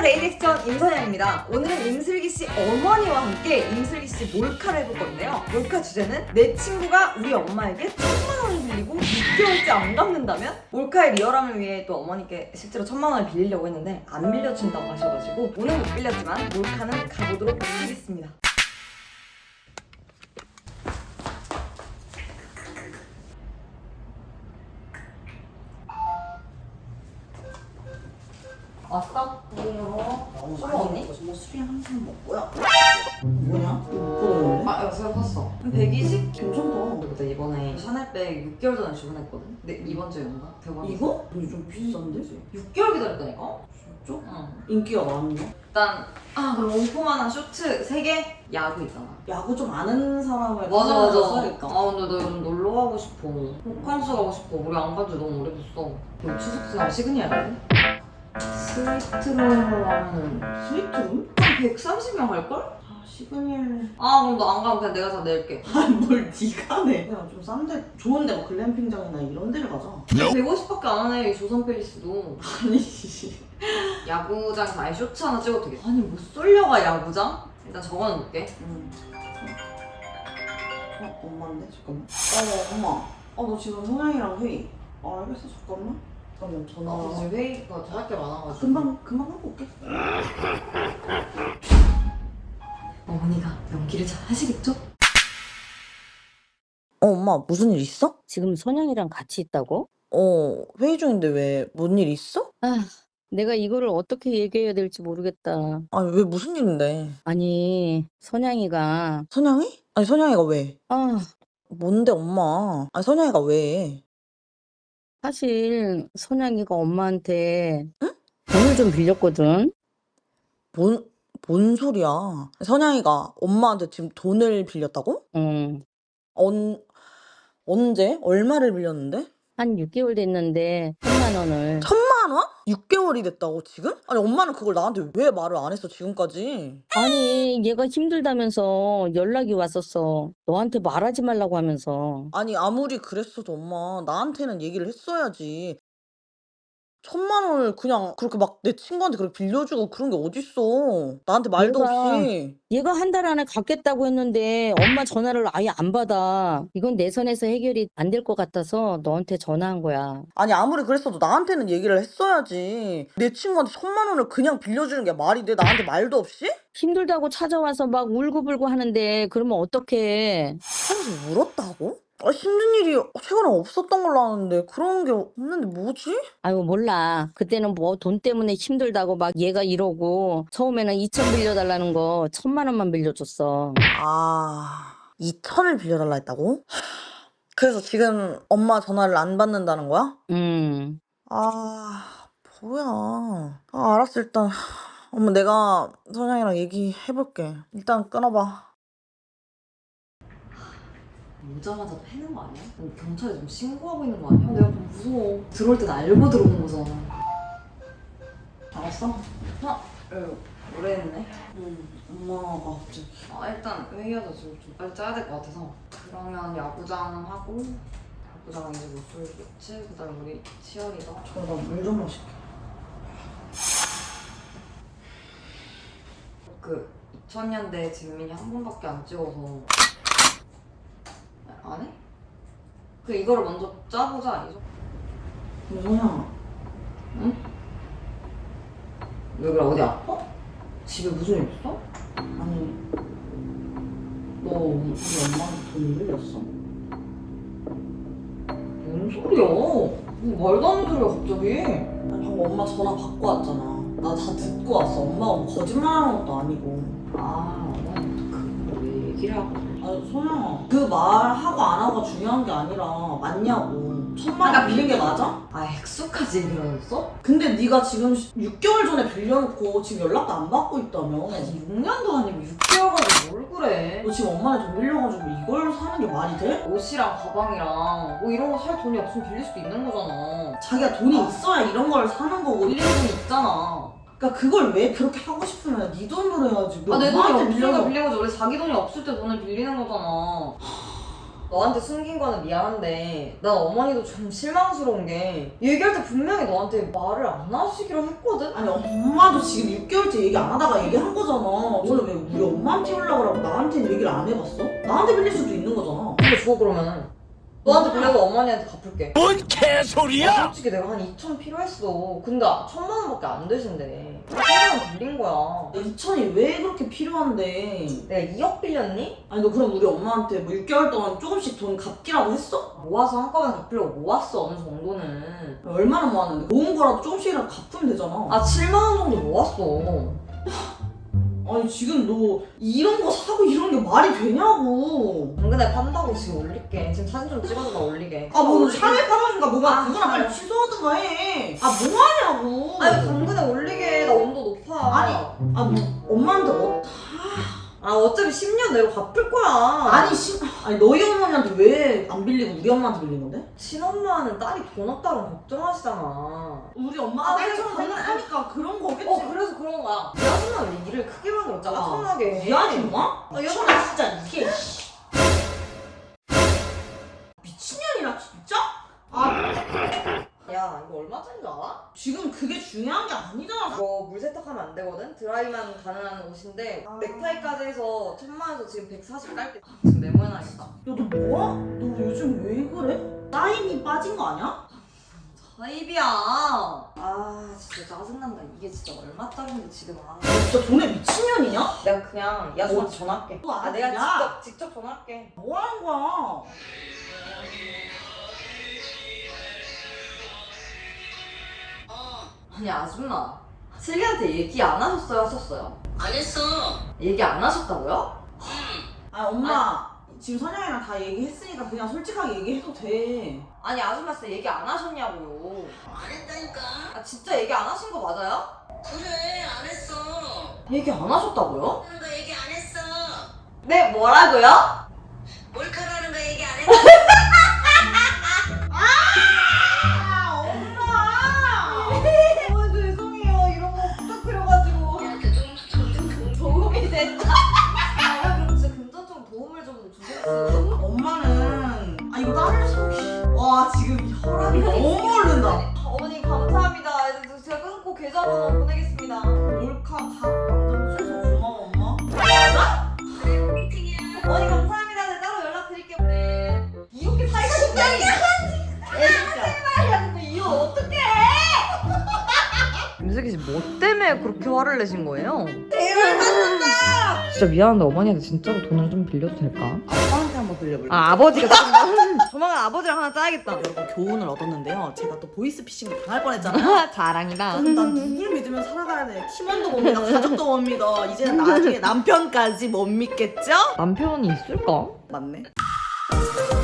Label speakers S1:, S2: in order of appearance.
S1: 리액션 임선영입니다. 오늘은 임슬기씨 어머니와 함께 임슬기씨 몰카를 해볼 건데요. 몰카 주제는 내 친구가 우리 엄마에게 1,000만 원을 빌리고 6개월째 안 갚는다면? 몰카의 리얼함을 위해 또 어머니께 실제로 1,000만 원을 빌리려고 했는데 안 빌려준다고 하셔가지고 오늘 못 빌렸지만 몰카는 가보도록 하겠습니다. 왔어?
S2: 너무
S1: 술
S2: 많이
S1: 먹니?
S2: 먹고 뭐 술이 항상 먹고요. 뭐냐? 못 보는데?
S1: 아, 이거 새로 샀어. 120?
S2: 괜찮다.
S1: 근데 이번에 샤넬백 6개월 전에 주문했거든? 근데 이번 주였나? 대박이다.
S2: 이거? 근데 좀 비싼데?
S1: 6개월 기다렸다니까?
S2: 진짜?
S1: 응.
S2: 인기가 많네.
S1: 일단 그럼 원포만한 쇼트 3개? 야구 있잖아.
S2: 야구 좀 아는 사람을
S1: 맞아.
S2: 써야겠다.
S1: 근데 나 요즘 놀러 가고 싶어. 호캉스 가고 싶어. 우리 안 간지 너무 오래됐어. 너 추석지나 시그니엘이야? 스위트룸으로 하면
S2: 스위트룸?
S1: 한 130명 갈걸?
S2: 아 시그니엘.
S1: 그럼 너 안 가면 그냥 내가 다 낼게.
S2: 뭘 니가 내? 그냥 좀 싼데 좋은데 뭐 글램핑장이나 이런 데를 가자.
S1: 150밖에 안 하네 이 조선 팰리스도.
S2: 아니
S1: 야구장에서 아예 쇼츠 하나 찍어도 되겠다. 아니 뭐 쏠려가 야구장? 일단 적어놓을게.
S2: 엄마인데? 잠깐만. 엄마. 너 지금 성향이랑 회의. 알겠어 잠깐만. 잠깐만 전화.
S1: 지금 회의가 할 게 많아가지고.
S2: 금방 하고 올게.
S1: 어머니가 연기를 잘 하시겠죠?
S2: 엄마 무슨 일 있어?
S3: 지금 선영이랑 같이 있다고?
S2: 회의 중인데 왜 뭔 일 있어?
S3: 내가 이거를 어떻게 얘기해야 될지 모르겠다.
S2: 아니 왜 무슨 일인데?
S3: 아니, 선영이가
S2: 선영이? 아니 선영이가 왜?
S3: 아,
S2: 뭔데 엄마? 아니 선영이가 왜?
S3: 사실 선영이가 엄마한테 돈을 좀 빌렸거든.
S2: 뭔 소리야? 선영이가 엄마한테 지금 돈을 빌렸다고?
S3: 응.
S2: 언제? 얼마를 빌렸는데?
S3: 한 6개월 됐는데 1,000만 원을.
S2: 1,000만 원? 6개월이 됐다고 지금? 아니 엄마는 그걸 나한테 왜 말을 안 했어 지금까지?
S3: 아니, 얘가 힘들다면서 연락이 왔었어. 너한테 말하지 말라고 하면서.
S2: 아니 아무리 그랬어도 엄마 나한테는 얘기를 했어야지. 1,000만 원을 그냥 그렇게 막 내 친구한테 그렇게 빌려주고 그런 게 어딨어. 나한테 말도 없이.
S3: 얘가 한 달 안에 갚겠다고 했는데 엄마 전화를 아예 안 받아. 이건 내 선에서 해결이 안 될 것 같아서 너한테 전화한 거야.
S2: 아니 아무리 그랬어도 나한테는 얘기를 했어야지. 내 친구한테 1,000만 원을 그냥 빌려주는 게 말이 돼? 나한테 말도 없이?
S3: 힘들다고 찾아와서 막 울고불고 하는데 그러면 어떡해.
S2: 하면서 울었다고? 힘든 일이 최근에 없었던 걸로 아는데 그런 게 없는데 뭐지?
S3: 아유 몰라. 그때는 뭐 돈 때문에 힘들다고 막 얘가 이러고 처음에는 2천 빌려달라는 거 1,000만 원만 빌려줬어.
S2: 2,000을 빌려달라 했다고? 그래서 지금 엄마 전화를 안 받는다는 거야? 뭐야. 알았어 일단. 엄마 내가 선영이랑 얘기해볼게. 일단 끊어봐.
S1: 오자마자 패는 거 아니야? 경찰에 좀 신고하고 있는 거 아니야? 내가 좀 무서워. 들어올 땐 알고 들어오는 거잖아. 알았어? 오래 했네.
S2: 엄마가 갑자기.
S1: 일단 회의하자. 지금 좀 빨리 짜야 될 것 같아서. 그러면 야구장 하고 야구장 이제 못쏠 쇼츠 그다음에 우리 치어리더.
S2: 물 좀 마실게.
S1: 2000년대 진민이 한 번밖에 안 찍어서 안 해? 이거를 먼저 짜보자 아니죠?
S2: 근데 선영아.
S1: 왜 그래? 어디 아파? 집에 무슨 일 있어?
S2: 아니 너 우리 엄마한테 돈 빌렸어?
S1: 뭔 소리야? 뭐 말도 안 되는 소리야 갑자기.
S2: 아니 방금 엄마 전화 받고 왔잖아. 나 다 듣고 왔어. 엄마가 뭐 거짓말하는 것도 아니고.
S1: 어머니부터 그걸 왜 얘기를 하고.
S2: 아니 선영아 그 말하고 안 하고가 중요한 게 아니라 맞냐고. 1,000만 원 빌린 게 맞아?
S1: 액수까지 얘기를 하셨어?
S2: 근데 네가 지금 6개월 전에 빌려놓고 지금 연락도 안 받고 있다며.
S1: 6년도 아니고 6개월 가지고 뭘 그래.
S2: 너 지금 엄마한테 돈 빌려가지고 이걸 사는 게 말이 돼?
S1: 옷이랑 가방이랑 뭐 이런 거 살 돈이 없으면 빌릴 수도 있는 거잖아.
S2: 자기가 돈이 있어야 이런 걸 사는 거고.
S1: 빌리는 돈이 있잖아.
S2: 그러니까 그걸 왜 그렇게 하고 싶으면 네 돈으로 해야지. 왜
S1: 내 돈이
S2: 엄마한테
S1: 없으니까
S2: 빌려서.
S1: 빌린 거지. 원래 자기 돈이 없을 때 돈을 빌리는 거잖아. 너한테 숨긴 거는 미안한데 난 어머니도 좀 실망스러운 게 얘기할 때 분명히 너한테 말을 안 하시기로 했거든?
S2: 아니 엄마도 지금 6개월째 얘기 안 하다가 얘기한 거잖아. 오늘 왜 우리 엄마한테 연락을 하고 나한테는 얘기를 안 해봤어? 나한테 빌릴 수도 있는 거잖아.
S1: 근데 줘 그러면은 너한테 빌려서 어머니한테 갚을게.
S4: 뭔 개소리야?
S1: 솔직히 내가 한 2천 필요했어. 근데 1,000만 원밖에 안 되신대. 1,000만 원 빌린 거야.
S2: 2천이 왜 그렇게 필요한데?
S1: 내가 2억 빌렸니?
S2: 아니 너 그럼 우리 엄마한테 뭐 6개월 동안 조금씩 돈 갚기라고 했어?
S1: 모아서 한꺼번에 갚으려고 모았어 어느 정도는.
S2: 얼마나 모았는데? 모은 거라도 조금씩이라도 갚으면 되잖아.
S1: 아 7만 원 정도 모았어.
S2: 아니 지금 너 이런 거 사고 이런 게 말이 되냐고.
S1: 당근에 판다고 지금 올릴게. 지금 사진 좀 찍어서 나 올리게.
S2: 아 뭐 상해 파라니까 뭐가
S1: 아,
S2: 그거나 빨리
S1: 그래.
S2: 취소하든가 해. 아 뭐하냐고.
S1: 아니 당근에 올리게. 나 온도 높아.
S2: 아니, 아 뭐 엄마한테
S1: 아 어차피 10년 내로 갚을 거야.
S2: 아니 너희 어머니한테 왜 안 빌리고 우리 엄마한테 빌린 건데?
S1: 친엄마는 딸이 돈 없다고 걱정하시잖아.
S2: 우리 엄마가
S1: 아,
S2: 딸처럼
S1: 그래,
S2: 생각하니까 그런 거겠지.
S1: 그래서 그런 거야. 이 아줌마 왜 일을 크게 만들어 짜증나게.
S2: 이 아줌마?
S1: 아,
S2: 미친년 진짜 이게 미친년이라 진짜? 아
S1: 야 이거 얼마짜리인 줄 알아?
S2: 지금 그게 중요한 게 아니잖아.
S1: 이거 물 세탁하면 안 되거든? 드라이만 가능한 옷인데 넥타이까지 해서 1,000만원에서 지금 140 깔게. 지금 메모해놔야겠다.
S2: 야 너 뭐야? 너 요즘 왜 그래? 사인이 빠진 거 아니야?
S1: 사입이야. 아 진짜 짜증난다. 이게 진짜 얼마짜리인데 지금. 아.
S2: 너 진짜 돈에 미친년이냐?
S1: 내가 그냥 이 아줌마한테 전화할게.
S2: 또
S1: 아, 내가
S2: 야.
S1: 직접 전화할게.
S2: 뭐 하는 거야?
S1: 아니 아줌마 슬기한테 얘기 안 하셨어요? 하셨어요?
S5: 안 했어.
S1: 얘기 안 하셨다고요?
S2: 아 엄마 지금 선영이랑 다 얘기했으니까 그냥 솔직하게 얘기해도 돼.
S1: 아니 아줌마 진짜 얘기 안 하셨냐고요.
S5: 안 했다니까.
S1: 아 진짜 얘기 안 하신 거 맞아요?
S5: 그래, 안 했어.
S1: 얘기 안 하셨다고요?
S5: 하는 거 얘기 안 했어.
S1: 네 뭐라고요?
S5: 몰카라는 거 얘기 안 했어.
S2: 아 엄마!
S1: 어 죄송해요 이런 거 부탁드려가지고
S5: 야, 그
S1: 도움이 됐다. 아 그럼 진짜 금전적으로 도움을 좀 주세요.
S2: 엄마는 아 이거 딸을 와 지금 혈압이 너무 오른다.
S1: 어머니 감사합니다. 제가 끊고 계좌번호 보내겠습니다.
S2: 몰카 각 만들어줘서 고마워 엄마.
S5: 팅이야.
S1: 어머니 감사합니다. 제가 따로 연락드릴게요. 네. 이렇게 사이가 좋다니. 제발 야 근데 이거 어떡해? 김슬기 씨 뭐 때문에 그렇게 화를 내신 거예요? 대박 맞는다. 진짜 미안한데 어머니한테 진짜로 돈을 좀 빌려도 될까?
S2: 아빠한테 한번 빌려볼래?
S1: 아 아버지가 조금 조만간 아버지랑 하나 짜야겠다.
S2: 여러분 교훈을 얻었는데요. 제가 또 보이스피싱 당할 뻔했잖아요.
S1: 자랑이다.
S2: 난 누굴 믿으면 살아가야 돼. 팀원도 못 믿어, 가족도 못 믿어. 이제는 나중에 남편까지 못 믿겠죠?
S1: 남편이 있을까?
S2: 맞네.